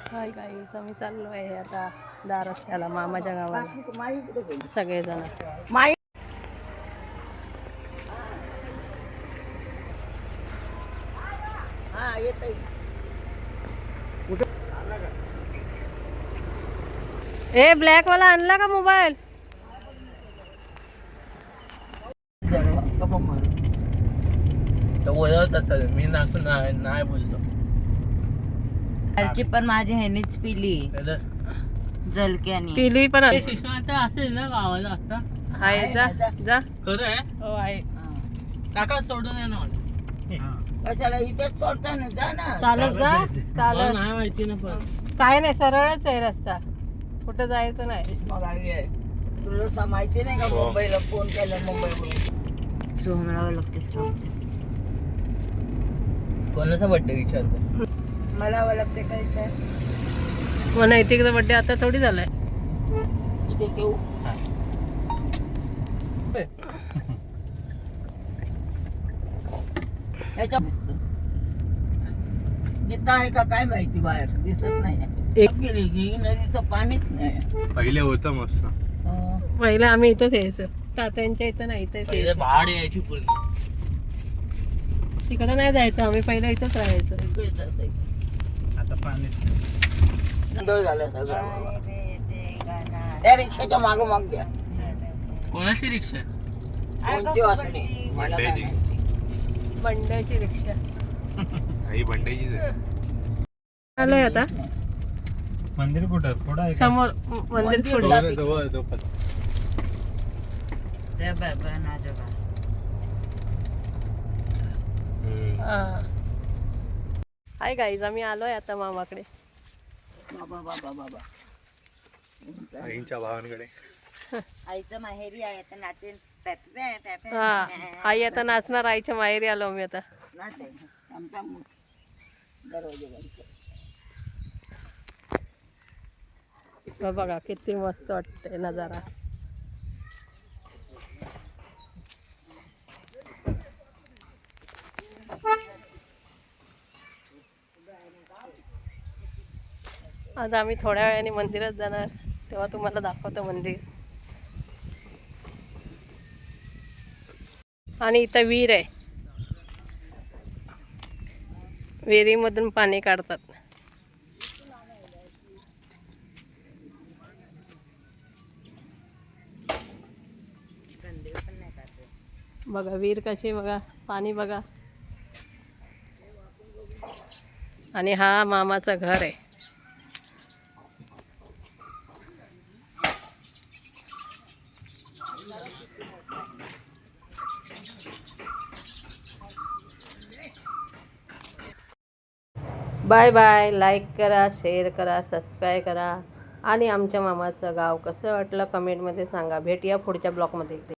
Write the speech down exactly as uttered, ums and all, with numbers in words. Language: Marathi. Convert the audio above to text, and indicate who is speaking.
Speaker 1: हाय गाईस, आम्ही चाललो आहे आता दहा रस्त्याला मामाच्या गावाला सगळेजण. माई हा येत ए ब्लॅक वाला आणला का मोबाईल?
Speaker 2: तो बोलत असेल, मी नाकून नाही बोलतो.
Speaker 3: घरची पण माझी ह्यानीच पिली जलक्यानी
Speaker 1: पिली पण
Speaker 2: आता असेल ना गावाला आता.
Speaker 1: आहे. जा जा.
Speaker 2: खरं आहे.
Speaker 1: हो आहे.
Speaker 2: काका सोडून ये ना.
Speaker 3: कशाला इथेच सोडता ना, जा ना.
Speaker 1: चालत जा.
Speaker 2: मला
Speaker 1: चालत
Speaker 2: नाही माहिती ना, पण
Speaker 1: काय नाही, सरळच आहे रस्ता, कुठं जायचं नाही.
Speaker 3: मग आम्ही आहे. तुला सा माहिती नाही का मुंबईला फोन केला मुंबईवरून सोहमराव लागते स्टॉप.
Speaker 2: कोणाचा बर्थडे विचारतो?
Speaker 3: मला ओळखते का विचार?
Speaker 1: मग नैतिकचा बड्डे आता थोडी झालाय.
Speaker 3: इथे घेऊ ह्याच्या इथं आहे का काय माहिती, बाहेर दिसत नाही.
Speaker 1: एक
Speaker 3: गेली की नदीचं पाणीच नाही.
Speaker 4: पहिले होतं मस्त.
Speaker 1: पहिलं आम्ही इथंच यायचं, तात्यांच्या इथं नाही, इथंच
Speaker 2: पहिले
Speaker 1: यायचं.
Speaker 2: भाड यायची पूर्ण.
Speaker 1: तिकडं नाही जायचं, आम्ही पहिलं इथंच राहायचं.
Speaker 3: इकडेच असायचं.
Speaker 4: आता पाणीच
Speaker 3: गोंधळ झाला सगळं. त्या रिक्षाच्या मागं माग घ्या.
Speaker 2: कोणाची रिक्षा?
Speaker 3: कोणची वासनी मला काय
Speaker 4: बंड्याची.
Speaker 3: माहिती.
Speaker 1: बंड्याची रिक्षा
Speaker 4: आई बंड्याचीच आहे.
Speaker 1: आलोय आता
Speaker 4: मंदिर कुठं पुढं आहे का?
Speaker 1: समोर म- मंदिर पुढे.
Speaker 4: जवळ जवळ तो पण.
Speaker 3: त्या बाबा नाजोबा.
Speaker 1: हा. हाय गाईज, आम्ही आलोय आता मामाकडे.
Speaker 3: बाबा बाबा बाबा
Speaker 4: आईंच्या भावांकडे.
Speaker 3: आईचं माहेरी आहे आता नाचेल.
Speaker 1: हा, आई आता नाचणार. आईच्या माहेरी आलो आम्ही आता.
Speaker 3: नाच आहे आमचा मूळ. दरवाजे बंद कर.
Speaker 1: बघ बघा किती मस्त वाटतंय नजारा. आज आम्ही थोड्या वेळाने मंदिरात जाणार, तेव्हा तुम्हाला दाखवतो मंदिर. आणि इथं विहीर आहे, विहिरीमधून पाणी काढतात. बघा विहीर कशी, बघा पाणी बघा. आणि हा मामाचं घर आहे. Bye bye. लाईक करा, शेअर करा, सबस्क्राईब करा. आणि आमच्या मामाचं गाव कसं वाटलं कमेंटमध्ये सांगा. भेटूया पुढच्या ब्लॉगमध्ये.